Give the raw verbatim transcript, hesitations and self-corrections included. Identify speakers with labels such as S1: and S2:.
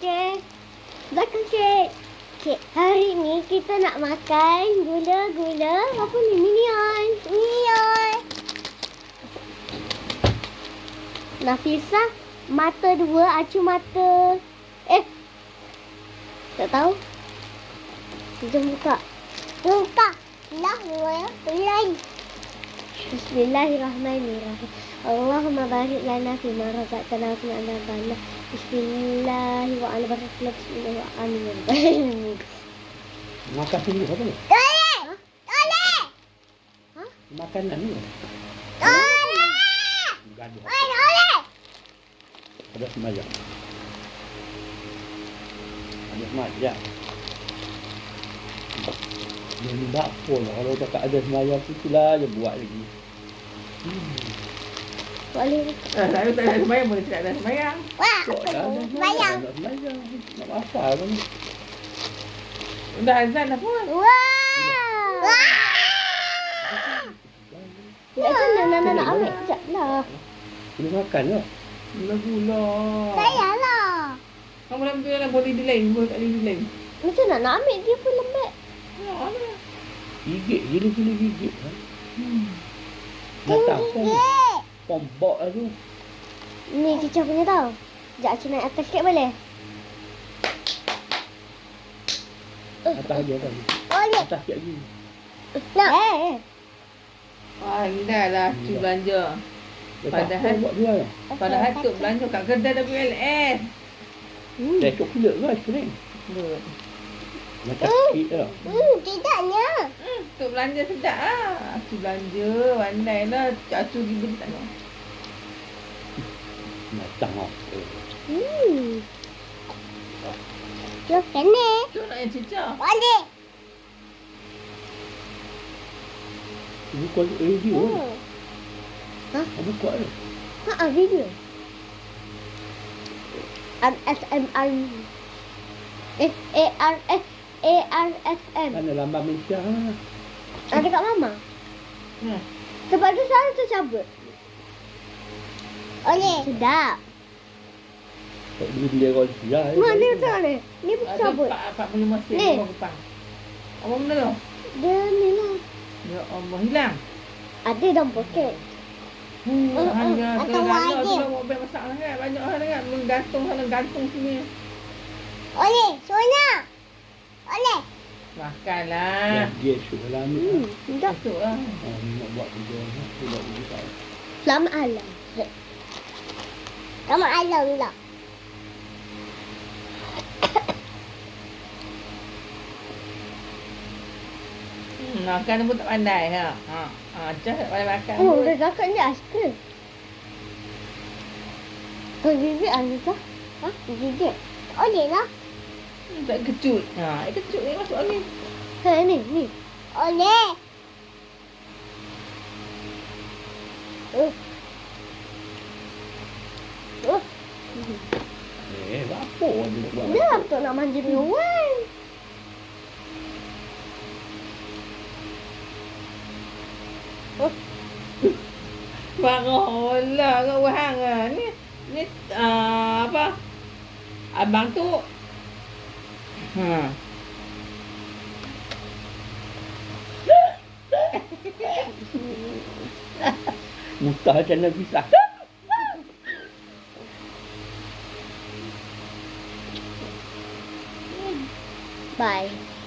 S1: Okey. Belakang kek. Kek. Hari ni kita nak makan gula-gula. Apa ni? Minion. Minion. Nafisah, mata dua, acu mata. Eh. Tak tahu. Jom buka. Buka. Lah, ya. Pelai. Bismillahirrahmanirrahim. Allahumma barik lana fima razaqtana wa qina adzabannar. Bismillah wa ala barakatuh. Bismillah wa amin.
S2: Makan sendiri apa ni?
S1: Toleh. Toleh. Ha?
S2: Makanan ni.
S1: Toleh.
S2: Gaduh.
S1: Oi, toleh.
S2: Ada semayang. Ada semayang. Dia ni bakpol lah. Kalau cakap ada semayang tu, itulah je buat lagi. Hmm.
S1: Boleh.
S3: Ah, saya tak ada semayang boleh tidak ada semayang.
S1: Wah,
S2: Kok dah ada
S1: semayang.
S2: Nak semayang. Nak apa pun.
S3: Dah azan dah pun.
S1: Wah. Wah. Ya, nak nak nak ambil sekejap lah.
S2: Boleh makan lah.
S3: Gula-gula.
S1: Sayanglah.
S3: Kamu ambil lah boleh delay. Boleh tak boleh delay.
S1: Macam nak nak ambil dia pun lembut.
S3: Ya, ada.
S2: Gigit. Gila-gila gigit. Ha?
S3: Hmm.
S2: Datang pom. Pombok lah tu.
S1: Ni Cica punya tau. Sekejap Cica naik atas sikit boleh?
S2: Atas je kan.
S1: Boleh.
S2: Atas sikit lagi.
S1: Nak. Eh, eh.
S3: Wah, indah lah tu belanja.
S2: Dia tak
S3: Padahal-
S2: pom buat jual lah.
S3: Padahal tu belanja kat kedai W L S.
S1: Hmm.
S2: Dia coklat ke aiskrim?
S3: Good.
S2: Macam kek lah.
S1: Hmm, tidaknya.
S3: Hmm, tu belanja sedap lah. Tu belanja, pandai lah. Acu pergi beli tak tahu.
S2: Macam lah.
S1: Hmm. Jom kena.
S3: Tu nak yang cicak.
S1: Boleh.
S2: Ibu kuat radio lah.
S1: Hmm. Ha?
S2: Ibu kuat lah.
S1: Ha, video. M S M R. Eh, A R S A R S M.
S2: Mana lambang Malaysia lah.
S1: Ada kat mama.
S3: Hmm.
S1: Sebab tu selalu tercabut. Boleh. Sedap.
S2: Tak boleh beli orang Malaysia.
S1: Mak, ni macam mana? Ni pun
S3: Ada
S1: tercabut.
S3: empat empat puluh lima sen
S1: Ni.
S3: dua kupang. Apa benda tu?
S1: Dia ni lah.
S3: Ya Allah, hilang.
S1: Ada dalam poket.
S3: Hmm,
S1: Uh, uh,
S3: harga
S1: atau
S3: kerana
S1: wajib.
S3: tu lah mobil besar sangat. Banyak orang dengar menggantung sana gantung sini.
S1: Oleh, Sonia. Oleh.
S3: Makanlah.
S2: Dia syuk lah ni.
S1: Hmm, sedap.
S3: Masuk lah.
S2: Oh, ni nak buat kerja. Dia buat kerja tak.
S1: Selamat alam. Selamat alam pula.
S3: Hmm, makan pun tak pandai ha. Ha, ha just tak pandai makan.
S1: Oh,
S3: pun.
S1: dah kakak ni aiskrim. Kau gigit Anissa? Ha? Gigit. Oleh lah.
S3: Hmm, tak kecut. Ha, eh, kecut ni masuk angin.
S1: Ha, ni, ni. Oleh. Uh. Uh.
S2: Eh, apa dia nak buat?
S1: Dia apa nak manja dengan Wan?
S3: Parah lah kat wahang ah. Ni ni uh, apa? Abang tu ha.
S2: Mutah macam nak pisah.
S1: Bye.